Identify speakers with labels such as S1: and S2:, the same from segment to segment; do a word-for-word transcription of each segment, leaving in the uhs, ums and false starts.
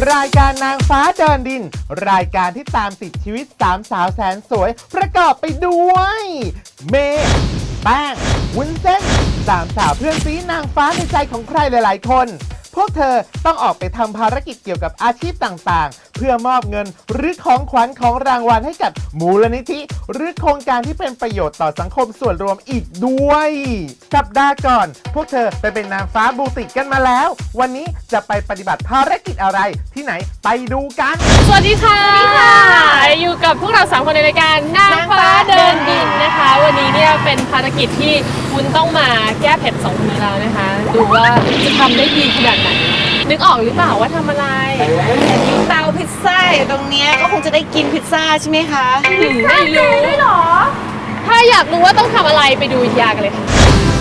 S1: รายการนางฟ้าเดินดินรายการที่ตามติดชีวิตสามสาวแสนสวยประกอบไปด้วยเมย์แป้งวุ้นเส้นสามสาวเพื่อนซีนางฟ้าในใจของใครหลายๆคนพวกเธอต้องออกไปทำภารกิจเกี่ยวกับอาชีพต่างๆเพื่อมอบเงินหรือของขวัญของรางวัลให้กับมูลนิธิหรือโครงการที่เป็นประโยชน์ต่อสังคมส่วนรวมอีกด้วยสัปดาห์ก่อนพวกเธอไปเป็นนางฟ้าบูติกกันมาแล้ววันนี้จะไปปฏิบัติภารกิจอะไรที่ไหนไปดูกัน
S2: สวัสดีค่ะสวัสดีค่ะอยู่กับพวกเราสามคนในรายการนางฟ้าเดินดินนะคะวันนี้เนี่ยเป็นภารกิจที่คุณต้องมาแก้เผ็ดสองคนนี้แล้วนะคะดูว่าจะทำได้ดีขนาดไหนนึกออกหรือเปล่าว่าทำอะไร
S3: เตาพิซซ่าอยู่ตรงนี้ก็คงจะได้กินพิซซ่าใช่ไหมคะ
S2: ไม่รู้ได้หรอถ้าอยากรู้ว่าต้องทำอะไรไปดูวิทยากันเลยค่ะ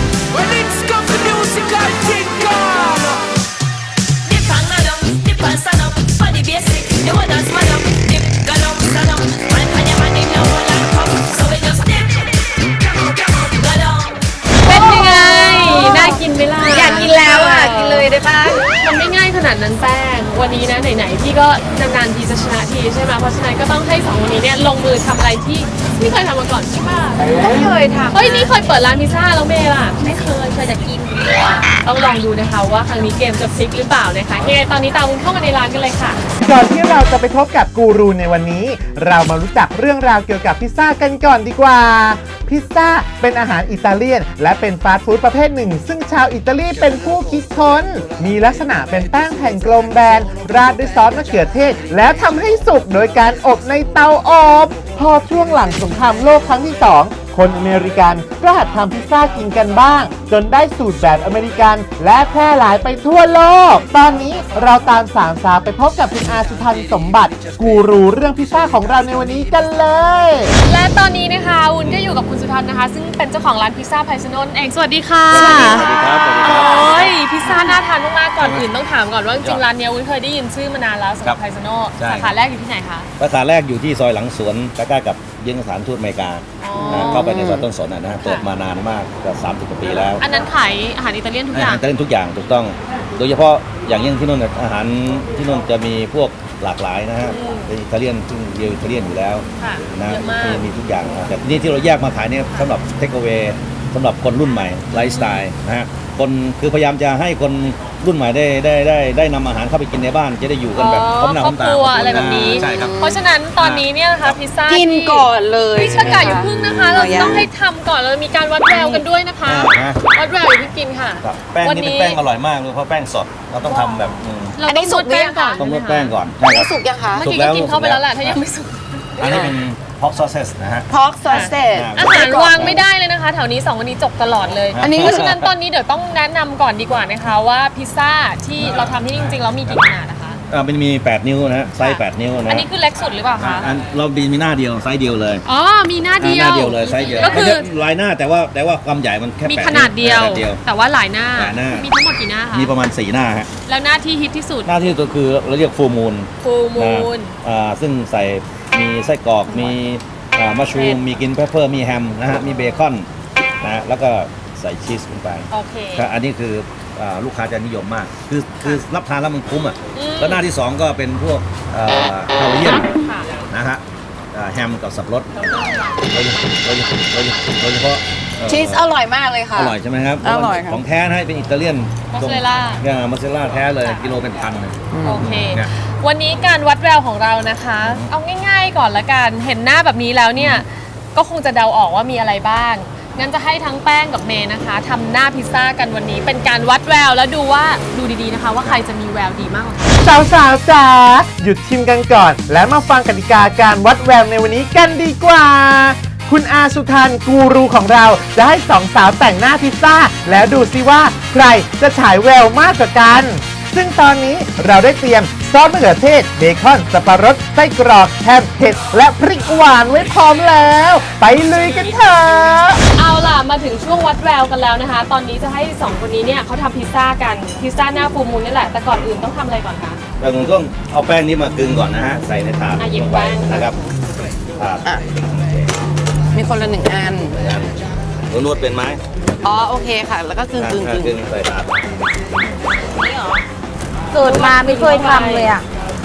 S2: เป็นยังไงน่ากินไหมล่ะ
S3: อยากกินแล้วอ่ะกินเลยได้ปะ
S2: มันไม่ง่ายขนาดนั้นแป้งวันนี้นะไหนๆพี่ก็นานๆทีจะชนะทีใช่ไหมเพราะฉะนั้นก็ต้องให้สองคนนี้เนี่ยลงมือทำอะไรที่ไม่เคยทำมาก่อนใช่ป่ะ
S3: ไม่เคยทำ
S2: เฮ้ยนี่เคยเปิดร้านพิซซ่าแล้วเมย์ล่ะ
S3: ไม่เคยเคยแต่กิน
S2: ต้องลองดูนะคะว่าครั้งนี้เกมจะพลิกหรือเปล่านะคะยังไงตอนนี้ตามคุณเข้ามาในร้านกันเลยค่ะ
S1: ก่อนที่เราจะไปพบกับกูรูในวันนี้เรามารู้จักเรื่องราวเกี่ยวกับพิซซ่ากันก่อนดีกว่าพิซซ่าเป็นอาหารอิตาเลียนและเป็นฟาสต์ฟู้ดประเภทหนึ่งซึ่งชาวอิตาลีเป็นผู้คิดค้นมีลักษณะเป็นแป้งแผ่นกลมแบนราดด้วยซอสมะเขือเทศแล้วทำให้สุกโดยการอบในเตาอบพอช่วงหลังสงครามโลกครั้งที่สองคนอเมริกันก็หัดทำพิซซ่ากินกันบ้างจนได้สูตรแบบอเมริกันและแพร่หลายไปทั่วโลกตอนนี้เราตามสามสาวไปพบกับคุณอาสุทันสมบัติกูรูเรื่องพิซซ่าของเราในวันนี้กันเลย
S2: และตอนนี้นะคะวุ้นก็อยู่กับคุณสุทันนะคะซึ่งเป็นเจ้าของร้านพิซซ่าไพซโนนเองสวัสดีค่ะ
S4: สวัสดีครับ
S2: โอ้ยพิซซ่าน่าทานมากๆก่อนอื่นต้องถามก่อนว่าจริงๆร้านนี้วุ้นเคยได้ยินชื่อมานานแล้วสำหรับไพซโนสาขาแรกอยู่ที่ไหนคะ
S4: สาขาแรกอยู่ที่ซอยหลังสวนใกล้ๆกับยิงสถานทูตอเมริกาเข้าไปในซอยต้นสนนะฮะเปิดมานานมากกว่าสามสิบกว่าปีแล้ว
S2: อันนั้นขายอาหารอิตาเลียนทุกอย่าง
S4: อิตาเลียนทุกอย่างถูกต้องโดยเฉพาะอย่างยิ่งที่นู่นอาหารที่นู่นจะมีพวกหลากหลายนะฮะเป็นอิตาเลียนซึ่งเดียวอิตาเลียนอยู่แล้วนะมีมีทุกอย่างแต่นี่ที่เราแยกมาขายเนี่ยสำหรับเทคเอาเวย์สำหรับคนรุ่นใหม่ไลฟ์สไตล์นะฮะคนคือพยายามจะให้คนรุ่นใหม่ได้ได้ได้ได้นำอาหารเข้าไปกินในบ้านจะได้อยู่กันแบบพร้อมหน้าพร้อมตา
S2: อะไรแบบนี้
S4: ใช่ครับ
S2: เพราะฉะนั้นตอนนี้เนี่ยนะคะพิซซ่า
S3: กินก่อนเลย
S2: พิซซ่าอยู่พึ่งนะคะเราต้องให้ทำก่อนเรามีการวัดแววกันด้วยนะคะวัดแววอยู่ที่กินค่ะ
S4: แป้งนี่เป็นแป้งอร่อยมากเลยเพราะแป้งสดเราต้องทำแบบ
S2: เราต้องนวดแป้งก่อน
S4: ต้องนวดแป้งก่อน
S3: อันนี้สุกยังคะ
S2: เมื่อกี้ก็กินเข้าไปแล้วแหละถ้ายังไม่สุก
S4: อันนี้เป็นpork sausage นะฮะ
S3: pork sausage
S2: อาหารวางไม่ได้เลยนะคะแถวนี้สองวันนี้จบตลอดเลยอันนี้เพราะฉะนั้นตอนนี้เดี๋ยวต้องแนะนำก่อนดีกว่านะคะว่าพิซซ่าที่เราทำที่จริงๆแล้วมีกี่ขนาดนะคะ
S4: อ่ามันมีแปดนิ้วนะฮะไซส์แปดนิ้วนะ
S2: อันนี้คือเล็กสุดหรือเปล่าคะ
S4: อันเราดีมีหน้าเดียวไซส์เดียวเลย
S2: อ๋อมีหน้าเดียว
S4: หน้าเดียวเลยไซส์เดียวก็คือลายหน้าแต่ว่าแต่ว่าความใหญ่มันแค่
S2: มีขนาดเดียวแต่ว่าหลายหน้ามีทั้งหมดกี่หน้าคะ
S4: มีประมาณสี่หน้าฮะ
S2: แล้วหน้าที่ฮิตที่สุด
S4: หน้าที่ตัวคือเราเรียกฟูมูล
S2: ฟูมูล
S4: อ่าซึ่งใส่มีไส้กรอกมีมัชรูมมีกินเพปเปอร์มีแฮมนะฮะมีเบคอนนะแล้วก็ใส่ชีสลงไป
S2: โอเค
S4: อันนี้คือลูกค้าจะนิยมมากคือคือรับทานแล้วมันคุ้มอ่ะแล้วหน้าที่สองก็เป็นพวกฮาวายเอียนนะฮะแฮมกับสับปะรดโดยโดยโดยโดยเฉพาะ
S3: ชีสอร่อยมากเลยค่ะ
S4: อร่อยใช่ไหมครับ
S3: อร่อย
S4: ของแท้นะเป็นอิตาเลียน
S2: มอสซาเรลล่า
S4: เนี่ยมอสซาเรลล่าแท้เลยกิโลเป็นพันเลย
S2: โอเควันนี้การวัดแววของเรานะคะเอาง่ายๆก่อนละกันเห็นหน้าแบบนี้แล้วเนี่ยก็คงจะเดาออกว่ามีอะไรบ้างงั้นจะให้ทั้งแป้งกับเมย์นะคะทำหน้าพิซซ่ากันวันนี้เป็นการวัดแววแล้วดูว่าดูดีๆนะคะว่าใครจะมีแววดีมากกว่ากัน
S1: สาวๆจ๋าหยุดชิมกันก่อนและมาฟังกติกาการวัดแววในวันนี้กันดีกว่าคุณอาสุทันกูรูของเราจะให้สองสาวแต่งหน้าพิซซ่าแล้วดูซิว่าใครจะฉายแววมากกว่ากันซึ่งตอนนี้เราได้เตรียมซอสมะเขือเทศเบคอนสับปะรดไส้กรอกแฮมเผ็ดและพริกหวานไว้พร้อมแล้วไปลุยกันเถอะ
S2: เอาล่ะมาถึงช่วงวัดแววกันแล้วนะคะตอนนี้จะให้สองคนนี้เนี่ยเขาทำพิซซ่ากันพิซซ่าหน้าฟูมูลนี่แหละแต่ก่อนอื่นต้องทำอะไรก่อนคะ
S4: เราต้องเอาแป้งนี้มากึ่งก่อนนะฮะใส่ในถาด
S2: ลงไป
S4: นะครับถาด
S3: มีคนละหนึ่งอัน
S4: นวดเป็นไหม
S3: อ๋อโอเคค่ะแล้วก็กึ่งกึ่ง
S4: กึ่งใส่ถาด
S3: นี่หรอเกิดมาไม่เคยทำเลยอ่ะ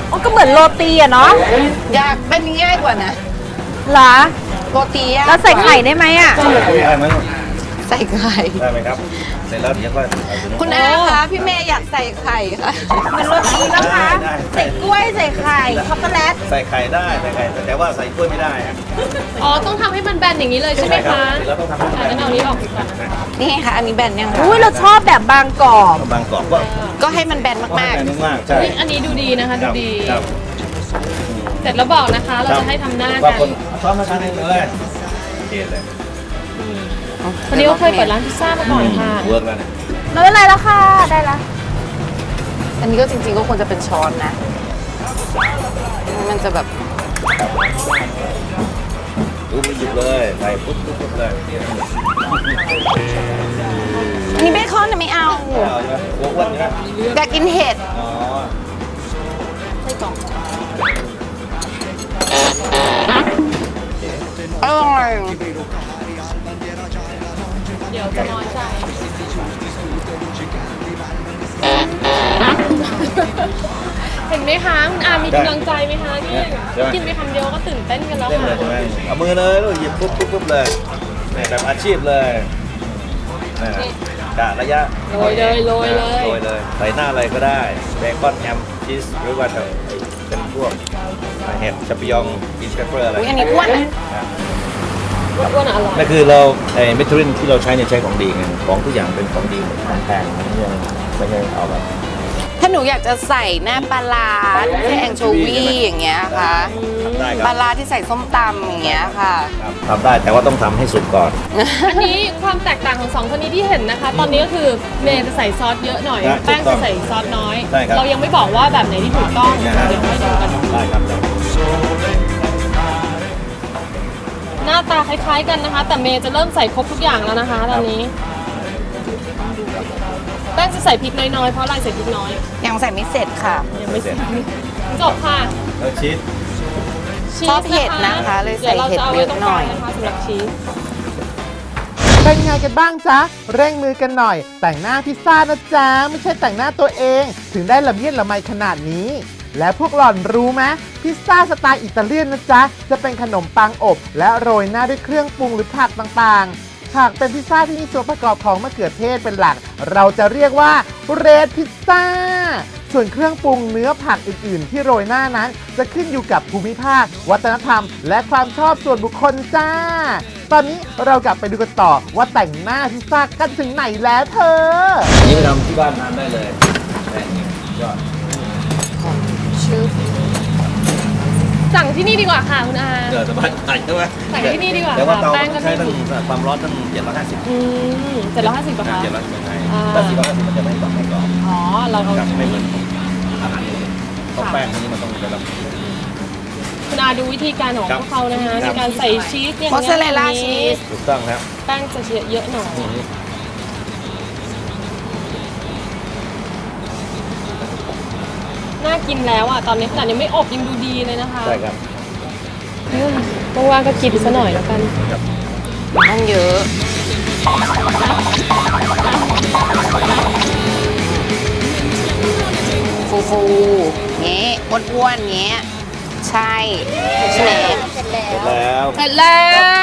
S3: อ๋อก็เหมือนโรตีอะเนาะอยากเป็นง่ายกว่านะ
S5: เหรอ
S3: โรตีอะ
S5: แล้วใส่ไข่ได้ไหมอ่ะ
S4: ได้ไหม
S3: ใส่ไข่
S4: ได้ไหมครับ เสร็จแล้วเดี๋ยวก็เอาไป
S3: คุณอาคะพี่เมย์อยากใส่ไข่ค่ะ
S5: เหมือนโรตีนะคะ
S4: ได้
S5: ใส่กล้วยใส่ไข่ช็อกโกแลต
S4: ใส่ไข่ได้ใส่ไข่แต่ว่าใส่กล้วยไม่ได้อะ
S2: อ๋อต้องทำให้มันแบนอย่างนี้เลยใช่ไหม
S4: ครั
S2: คะ
S4: เสร็จแล้วต้องทำให้
S2: อ่ะงั้นเอานี้ออกดีกว่านะคะ
S3: นี่ค่ะ อันนี้แบนยังคะ
S5: อุ้ยเราชอบแบบบางกรอบ
S4: บางกรอบก็
S3: ก็ให้มันแบน
S4: ก็
S3: มาก
S4: ให้แบนมากๆใช่
S2: เฮ้ยอันนี้ดูดีนะคะดูดี
S4: ครับ
S2: เสร็จแล้วบอกนะคะ เราจะให้ทำหน้า
S4: บา
S2: กั
S4: ง
S2: น
S4: คนซ้อมมาทานเองเลยโอเคเลย
S3: ๆ
S2: วันนี้ก็เคยเปิดร้านพิซซ่ามาก่อนค่ะ
S4: เวิร์กแล้วเนี่ย
S5: ไม่เป็นไรแล้วค่ะ ได้ละ
S3: อันนี้ก็จริงๆก็ควรจะเป็นช้อนนะ มันจะแบบ
S4: ดูไปหยิบเลยใส่ปุ๊บปุ๊บปุ๊บเลย
S3: อันนี้เบคอนน่ะไม่เอา
S4: ไม่เอาใช่ไหมกลัวอ้วนใช่ไหม
S3: อยากกินเห็ด
S4: อ๋อ
S3: อร่อย
S2: เดี๋ยวจะน้อยใจเห็นไหมคะคุณอามีกำลังใจไหมคะนี่กินไปคำเดียวก็ตื่นเต้นกันแล้ว
S4: เล่นเล
S2: ค่ะ
S4: ยใช่ไหมเอามือเลยแล้วหยิบปุ๊บปุ๊บปุ๊บเลยนี่แบบอาชีพเลยนี่นะกะระยะ
S2: โรยเลยโรยเลย
S4: โรยเลยใส่หน้าอะไรก็ได้เบคอนแฮมชีสหรือว่าจะเป็นพวกเห็ดชัปปิยองกินเปเปอร์อะไร
S3: อุ๊ยอันนี้อ้วนนะ
S2: อ้วนๆอร่อย
S4: นั่นคือเราไอ้เมทิลินที่เราใช้เนี่ยใช้ของดีไงของทุกอย่างเป็นของดีหมดของแพงไม่ใช่ไม่ใช่เอาแบบ
S3: ถ้าหนูอยากจะใส่หน้าปลาร้าที่ใช้แองโชวีอย่างเงี้ยค่ะ
S4: ทำได้ค
S3: ป
S4: รั
S3: ลา
S4: บ
S3: ร้าที่ใส่ส้มตำอย่างเงี้ยค่ะ
S4: ครับทำได้แต่ว่าต้องทำให้สุกก่อน
S2: อันนี้ความแตกต่างของสองคนนี้ที่เห็นนะคะ ตอนนี้ก็คือเมย์จะใส่ซอสเยอะหน่อย
S4: ครับ
S2: แป้ง
S4: ถูกต้
S2: จะ
S4: อง
S2: ใส่ซอสน้อย
S4: ใช่ครับ
S2: เรายังไม่บอกว่าแบบไหนที่ถูกต้อง
S4: นะฮะ
S2: เดี๋ยวค่อยดูกัน
S4: ได้ครับ
S2: หน้าตาคล้ายๆกันนะคะ แต่เมย์จะเริ่มใส่ครบทุกอย่างแล้วนะคะตอนนี้ แป้งจะใส่พริกน้อยๆเพราะอะไรใส่พริกน้อย
S3: ยังใส่ไม่เสร็จค่ะ
S2: ยังไม่เสร็จจบค่ะ
S4: แล้วชีส
S2: ชี
S3: ชอบ
S2: ส
S3: เผ็ดนะคะเลยใส่
S2: ดี๋วราจะา
S3: เผ็ดเยอะหน่อย
S2: ไว้ตรงกลางนะคะสำหรับชีส
S1: เป็นไงกันบ้างจ๊ะ เร่งมือกันหน่อย แต่งหน้าพิซซ่านะจ๊ะ ไม่ใช่แต่งหน้าตัวเอง ถึงได้ละเมียดละไมขนาดนี้ และพวกหล่อนรู้ไหมพิซซ่าสไตล์อิตาเลียนนะจ๊ะ จะเป็นขนมปังอบ และโรยหน้าด้วยเครื่องปรุงหรือผักต่างๆ หากเป็นพิซซ่าที่มีส่วนประกอบของมะเขือเทศเป็นหลัก เราจะเรียกว่าเรดพิซซ่า ส่วนเครื่องปรุงเนื้อผักอื่นๆ ที่โรยหน้านั้น จะขึ้นอยู่กับภูมิภาค วัฒนธรรม และความชอบส่วนบุคคลจ้า ตอนนี้เรากลับไปดูกันต่อว่าแต่งหน้าพิซซ่ากันถึงไหนแล้วเธอ
S4: อันนี้ไปทำที่บ้านทานได้เลยแป้งนี่ยอด
S3: ชื่อ
S2: สั่งที่นี่ดีกว่าค่ะคุณอา
S4: เกิดสบายใจใช่ไหม
S2: สั่งที่นี่ดีกว่า
S4: แต่ว่าเตา
S2: แป้งก็
S4: ใช้
S2: ไม่
S4: ตั้ง
S2: ถูก
S4: ความร้อนตั้งเจ็ดร้อยห้าสิบ
S2: อืมเจ็ดร้อยห้าสิบป่ะคะ
S4: เจ็ดร้อยห้าสิบไง
S2: อ่า
S4: แต่สี่ร้อยห้าสิบมันจะไม่กรอบไม่กรอบ
S2: อ๋อ เราเอา
S4: ครับไม่เหมือนอาหารอื่นเพราะแป้งพวกนี้มันต้องระดับ
S2: คุณอาดูวิธีการของ
S4: ครับ
S2: พวกเขานะคะ
S4: ค
S2: ใน
S4: รับ
S2: การใส่ชีสเนี่ย
S3: มอสซาเรลล่าชีส
S4: ถูกต้องครับ
S2: แป้งจะเยอะหน่อย น่ากินแล้วอ่ะ ตอนนี้ขนาดยังไม่อบยังดูดีเลยนะคะ
S4: ใช่ครับ
S2: อืมว่างๆก็กินซะหน่อยแล้วกัน
S3: ต้องเยอะ ฟูฟูๆเงี้ยอ้วนๆเงี้ย ใช่ใช่ไหม
S4: เสร็จแล้ว
S2: เสร็จแล้ว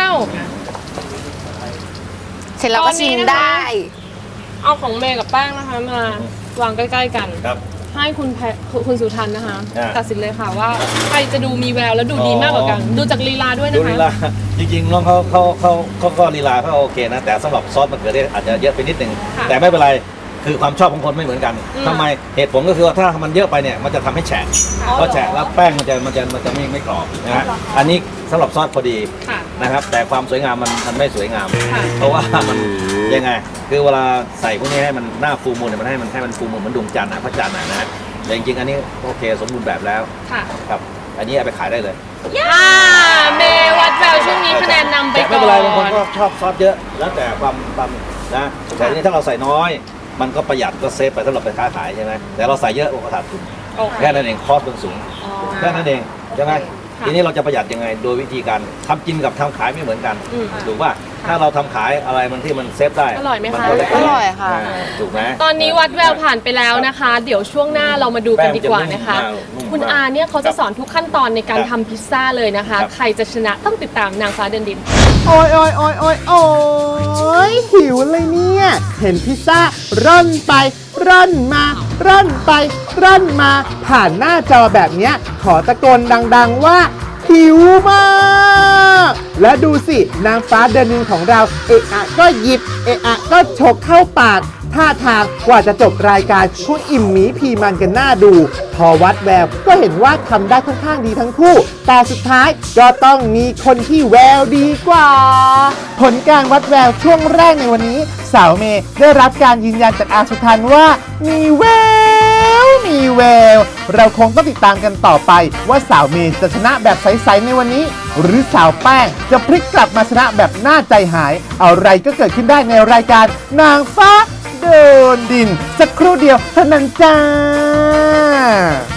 S3: เสร็จแล้วก็ชิมได้
S2: เอาของเมย์กับแป้งนะคะมาวางใกล้ๆกัน
S4: ครับ
S2: ให้คุณแพคุณสุทันนะคะ
S4: อ่า
S2: ตัดสินเลยค่ะว่าใครจะดูมีแววและดูดีมากกว่ากัน
S4: อ๋อ
S2: ดูจากลีลาด้วย
S4: ดู
S2: นะคะ
S4: ลีลาจริงๆน้องเขาเขาเขาเขาก็ลีลาเขาโอเคนะ แต่สำหรับซอสมะเขือเทศอาจจะเยอะไปนิดนึง
S2: ค่ะ
S4: แต่ไม่เป็นไรคือความชอบของคนไม่เหมือนกัน
S2: อืม
S4: ทำไมเหตุผลก็คือว่าถ้ามันเยอะไปเนี่ยมันจะทำให้แฉะ
S2: อ๋อ
S4: พอแฉะแล้วแป้งมันจะมันจะมันจะไม่ไม่กรอบนะฮะอันนี้สำหรับซอสพอดี
S2: ค่ะ
S4: นะครับ แต่ความสวยงามมันมันไม่สวยงาม
S2: ค่ะ
S4: เพราะว่ามันยังไง คือเวลาใส่พวกนี้ให้มันหน้าฟูมูลเนี่ยมันให้มันให้มันฟูมูลเหมือนดวงจันทร์นะพระจันทร์นะนะแต่จริงๆอันนี้โอเคสมบูรณ์แบบแล้ว
S2: ค่ะ
S4: ครับอันนี้เอาไปขายได้เลย
S2: อ่าเมย์วัดแววช่วงนี้คะแนนนำไป
S4: แต่
S2: ก่
S4: ไม่
S2: อ
S4: เป็นไรบางคน
S2: น
S4: ก็ชอบซอสเยอะ แล้วแต่ความความนะแต่ทีนี้ถ้าเราใส่น้อย มันก็ประหยัดก็เซฟไปสำหรับไปค้าขายใช่ไหมแต่เราใส่เยอะโอ้ขาดทุน
S2: โอเค
S4: แค่นั้นเองคอสมันสูง
S2: อ๋อ
S4: แค่นั้นเองใช่ไหม
S2: ค่ะ
S4: ทีนี้เราจะประหยัดยังไงโดยวิธีการทำกินกับทำขายไม่เหมือนกัน
S2: อืม
S4: ถูกป่ะถ้าเราทำขายอะไรมันที่มันเซฟได้
S2: อร่อยไหมคะ
S4: นก็ได้
S3: อร่อยค่ะ
S4: าถูกไหม
S2: ตอนนี้วัดแววผ่านไปแล้วนะคะ เดี๋ยวช่วงหน้าเรามาดูกันดีกว่านะคะ
S4: แป้งจะนุ่มมาก
S2: คุณอาเนี่ยเขาจะสอนทุกขั้นตอนในการ
S4: ครับ
S2: ทำพิซซ่าเลยนะคะ
S4: ครับ
S2: ใครจะชนะต้องติดตามนางฟ้าเดินดิน
S1: โอ้ยโอ้ยโอ้ยโอ้ยโอ้ยหิวเลยเนี่ย เห็นพิซซ่าร่อนไป ร่อนมา ร่อนไป ร่อนมา ผ่านหน้าจอแบบเนี้ย ขอตะโกนดังๆว่า หิวมาก และดูสิ นางฟ้าเดินดินของเรา เอะอะก็หยิบ เอะอะก็ฉกเข้าปาก ท่าทางกว่าจะจบรายการคงอิ่มหมีพีมันกันหน้าดู พอวัดแววก็เห็นว่าทำได้ค่อนข้างดีทั้งคู่ แต่สุดท้ายก็ต้องมีคนที่แววดีกว่า ผลการวัดแววช่วงแรกในวันนี้ สาวเมย์ได้รับการยืนยันจากอาสุทันว่า มีแวว มีแวว เราคงต้องติดตามกันต่อไป ว่าสาวเมย์จะชนะแบบใสๆในวันนี้ หรือสาวแป้งจะพลิกกลับมาชนะแบบน่าใจหาย อะไรก็เกิดขึ้นได้ในรายการนางฟ้าเดินดิน สักครู่เดียวเท่านั้นจ้า